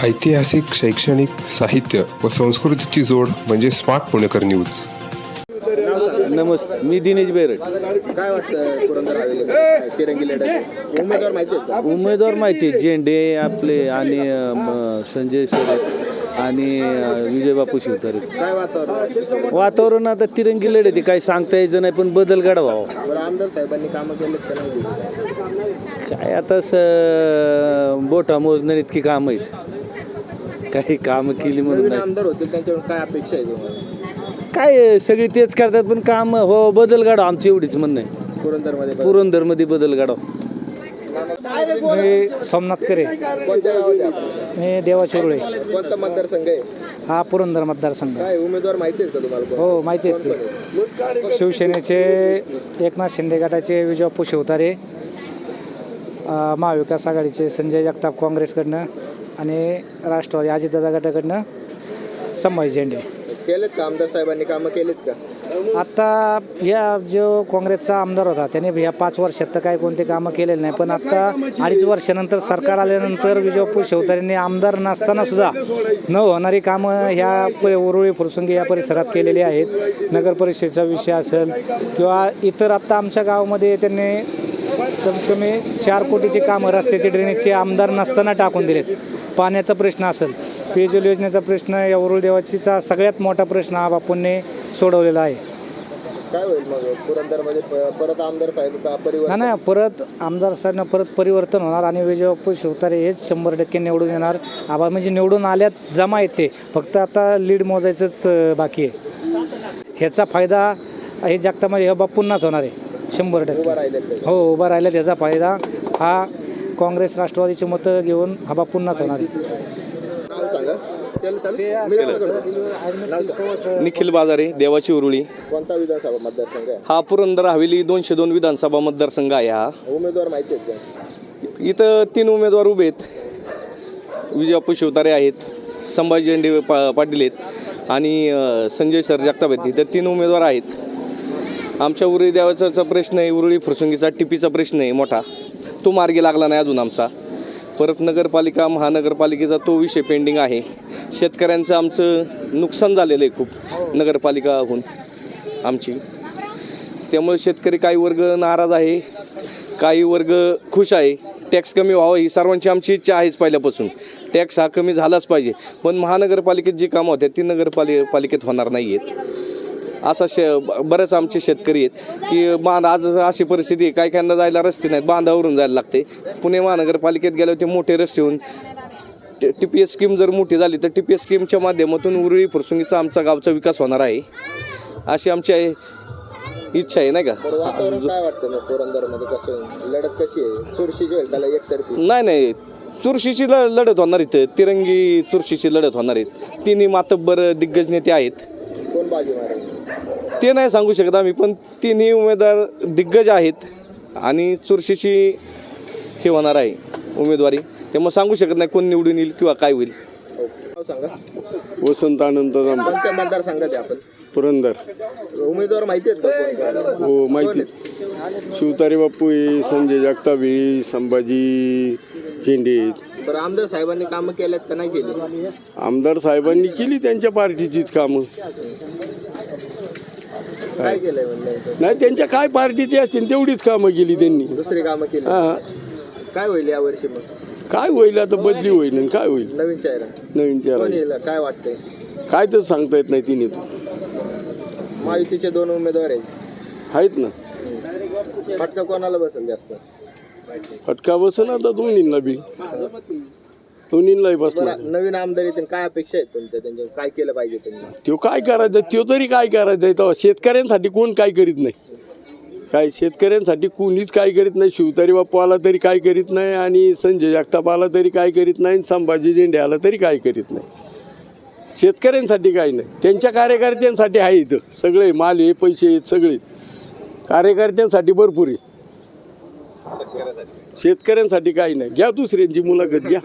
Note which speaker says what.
Speaker 1: ऐतिहासिक, शैक्षणिक, साहित्य व संस्कृतीची जोड म्हणजे स्मार्ट पुणेकर न्यूज.
Speaker 2: नमस्ते, मी दिनेश बेरड.
Speaker 3: काय वाटतं पुरंदर हवेली तिरंगी लढत उमेदवार माहिती आहेत का?
Speaker 2: उमेदवार माहिती आहे, झेंडे आपले आणि संजय सर आणि विजय बापू शिवतारे.
Speaker 3: काय वातावरण?
Speaker 2: वातावरण आता तिरंगी लढत आहे, काही सांगता यायचं नाही, पण बदल घडवा.
Speaker 3: बरं, आमदार साहेबांनी कामं केलेत का नाही?
Speaker 2: काय आता बोटा मोजणार इतकी कामं आहेत, काही कामं केली म्हणून
Speaker 3: नवीन
Speaker 2: नाही.
Speaker 3: आमदार होते त्यांच्याकडून काय अपेक्षा आहे तुम्हाला?
Speaker 2: काय सगळी तेच करतात, पण काम हो बदल घडवा, आमची एवढीच म्हणणं आहे. पुरंदरमध्ये बदल घडवा.
Speaker 4: मी सोमनाथ करे,
Speaker 3: कोणत्या गावात आहे आपण?
Speaker 4: मी देवाचुरळे.
Speaker 3: कोणता मतदारसंघ आहे?
Speaker 4: हा पुरंदर मतदारसंघ.
Speaker 3: काय उमेदवार माहिती आहेत का तुम्हाला?
Speaker 4: हो माहिती आहेत की. शिवसेनेचे एकनाथ शिंदे गटाचे विजय बापू शिवतारे, महाविकास आघाडीचे संजय जगताप काँग्रेसकडनं आणि राष्ट्रवादी अजितदादा गटाकडनं संभाजी झेंडे.
Speaker 3: केलेत का आमदार साहेबांनी कामं केलेत का?
Speaker 4: आत्ता या जो काँग्रेसचा आमदार होता त्याने ह्या 5 वर्षात तर काही कोणते कामं केलेले नाही, पण आत्ता 2.5 वर्षानंतर सरकार आल्यानंतर विजय बापू शिवतारेंनी आमदार नसताना सुद्धा न होणारी कामं ह्या उरुळी फुरसुंगी या परिसरात केलेली आहेत. नगर परिषदेचा विषय असेल किंवा इतर आत्ता आमच्या गावामध्ये त्यांनी कमीत कमी 4 कोटीची कामं रस्त्याचे ड्रेनेजचे आमदार नसताना टाकून दिलेत. पाण्याचा प्रश्न असेल, पेयजल योजनेचा प्रश्न, या उरुळ देवाचीचा सगळ्यात मोठा प्रश्न हा बापूंनी सोडवलेला आहे.
Speaker 3: काय होईल मग पुरंदरमध्ये परत आमदार साहेब का परिवर्तन?
Speaker 4: नाही, परत आमदार साहेबांना परत परिवर्तन होणार आणि विजय बापू शिवतारे हेच 100% निवडून येणार. आबा म्हणजे निवडून आल्यात जमा येते, फक्त आता लीड मोजायचंच बाकी आहे. ह्याचा फायदा हे जगतामध्ये ह्या बापूंनाच होणार आहे 100%. हो, उभा राहिला त्याचा फायदा हा काँग्रेस राष्ट्रवादीची मतं घेऊन हा बापूंनाच होणार आहे.
Speaker 5: निखिल बाजारे, देवाची उरुळी.
Speaker 3: कोणता विधानसभा मतदारसंघ आहे
Speaker 5: हा पुरंदर हवेली 202 विधानसभा मतदारसंघ आहे. हा
Speaker 3: उमेदवार माहिती आहेत का?
Speaker 5: इथं 3 उमेदवार उभे आहेत. विजय बापू शिवतारे आहेत, संभाजी झेंडे पाटील आहेत आणि संजय सर जगताप आहेत. इथं 3 उमेदवार आहेत. आमच्या उरुळी देवाचा प्रश्न आहे, उरुळी फुरसुंगीचा टिपीचा प्रश्न आहे मोठा, तो मार्गी लागला नाही अजून आमचा. परत नगरपालिका महानगरपालिकेचा तो विषय पेंडिंग आहे. शेतकऱ्यांचं आमचं नुकसान झालेलं आहे खूप नगरपालिकाहून आमची. त्यामुळे शेतकरी काही वर्ग नाराज आहे, काही वर्ग खुश आहे. टॅक्स कमी व्हावं ही सर्वांची आमची इच्छा आहेच पहिल्यापासून. टॅक्स हा कमी झालाच पाहिजे, पण महानगरपालिकेत जी कामं होत्या ती नगरपालिकेत होणार नाही आहेत. असा बरेच आमचे शेतकरी आहेत की आज अशी परिस्थिती आहे, काही काहींना जायला रस्ते नाहीत, बांधावरून जायला लागते. पुणे महानगरपालिकेत गेल्यावर ते मोठे रस्ते होऊन TPS स्कीम जर मोठी झाली तर TPS स्कीमच्या माध्यमातून उरुळी फुरसुंगीचा आमचा गावचा विकास होणार आहे अशी आमची इच्छा आहे, नाही का.
Speaker 3: वातावरण काय वाटतं मग पुरंदरमध्ये? कसं लढत कशी आहे? चुरशीची होईल त्याला एकतर्फी?
Speaker 5: नाही, चुरशीची लढत होणार इथं, तिरंगी चुरशीची लढत होणार आहेत. 3 मातब्बर दिग्गज नेते आहेत.
Speaker 3: कोण बाजी मारेल
Speaker 5: ते नाही सांगू शकत आम्ही, पण 3 उमेदवार दिग्गज आहेत आणि चुरशीची हे होणार आहे उमेदवारी. त्यामुळे सांगू शकत नाही कोण निवडून येईल किंवा काय होईल.
Speaker 3: सांगा.
Speaker 6: वसंत आनंद
Speaker 3: कोणत्या मतदारसंघात आहे आपण?
Speaker 6: पुरंदर.
Speaker 3: उमेदवार माहिती आहेत का?
Speaker 6: हो माहिती. शिवतारे बापू आहे, संजय जगताप आहे, संभाजी झेंडे.
Speaker 3: बरं, आमदार साहेबांनी कामं केल्यात का नाही केली?
Speaker 6: आमदार साहेबांनी केली त्यांच्या पार्टीचीच कामं.
Speaker 3: काय केलंय म्हणजे?
Speaker 6: नाही, त्यांच्या काय पार्टीची असतील तेवढीच कामं केली त्यांनी.
Speaker 3: दुसरी कामं केली?
Speaker 6: हां.
Speaker 3: काय होईल या वर्षी मग?
Speaker 6: काय होईल आता, बदली होईल आणि काय होईल.
Speaker 3: नवीन चेहरा
Speaker 6: नवीन
Speaker 3: कोण
Speaker 6: चेहरा
Speaker 3: येईल काय वाटतंय?
Speaker 6: काय तर सांगता येत नाही. तिने
Speaker 3: महायुतीचे 2 उमेदवार
Speaker 6: आहेत ना.
Speaker 3: फटका कोणाला बसेल जास्त?
Speaker 6: फटका बसेल आता दोन्हींना बी, दोन्हींनाही बसणार.
Speaker 3: बरं, नवीन आमदार येतील, काय अपेक्षा आहेत तुमच्या? त्यांच्या काय केलं पाहिजे त्यांनी?
Speaker 6: तो काय करायचं, तो तरी काय करायचं आहे. तेव्हा शेतकऱ्यांसाठी कोण काय करीत नाही. काय शेतकऱ्यांसाठी कोणीच काय करीत नाही. शिवतारे बापू आला तरी काय करीत नाही आणि संजय जगताप आला तरी काय करीत नाही, संभाजी झेंडे आला तरी काय करीत नाही. शेतकऱ्यांसाठी काही नाही. त्यांच्या कार्यकर्त्यांसाठी आहे इथं सगळे माल हे पैसे आहेत सगळे कार्यकर्त्यांसाठी भरपूर आहे. शेतकऱ्यांसाठी काही नाही. घ्या दुसऱ्यांची मुलाखत घ्या.